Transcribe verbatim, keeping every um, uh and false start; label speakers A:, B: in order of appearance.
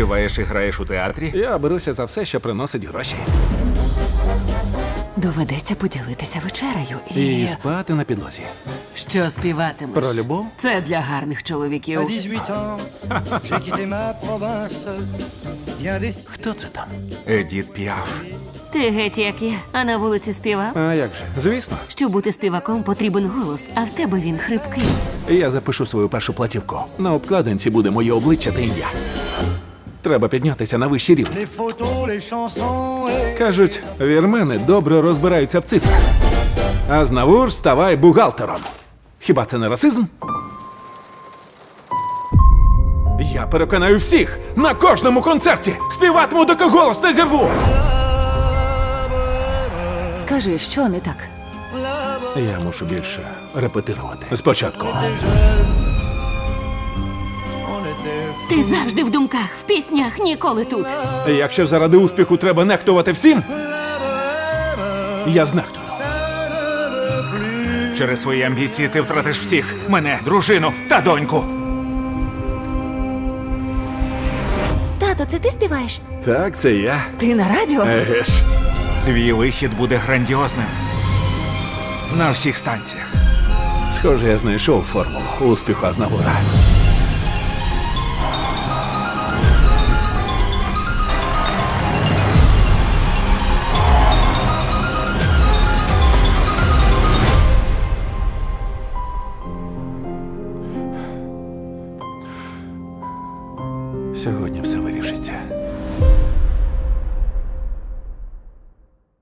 A: Співаєш і граєш у театрі?
B: Я беруся за все, що приносить гроші.
C: Доведеться поділитися вечерею і...
B: І спати на підлозі.
C: Що співатимеш?
B: Про любов?
C: Це для гарних чоловіків.
D: À dix-huit ans, j'ai quitté ma province. Bien des...
B: Хто це там?
A: Едіт Піаф.
E: Ти геть як я, а на вулиці співав.
B: А як же? Звісно.
E: Щоб бути співаком, потрібен голос, а в тебе він хрипкий.
B: Я запишу свою першу платівку. На обкладинці буде моє обличчя та ім'я. Треба піднятися на вищий рівень.
D: Les photos, les chansons et...
B: Кажуть, вірмени добре розбираються в цифрах. А знавур ставай бухгалтером. Хіба це не расизм? Я переконаю всіх на кожному концерті. Співатиму, доки голос не зірву.
C: Скажи, що не так?
B: Я мушу більше репетирувати. Спочатку.
D: On était...
E: Ти завжди в думках, в піснях, ніколи тут.
B: Якщо заради успіху треба нехтувати всім, я знехтую.
A: Через свої амбіції ти втратиш всіх. Мене, дружину та доньку.
E: Тато, це ти співаєш?
B: Так, це я.
C: Ти на радіо?
B: Еге ж.
A: Твій вихід буде грандіозним. На всіх станціях.
B: Схоже, я знайшов формулу успіху Азнавура. Сьогодні все вирішиться.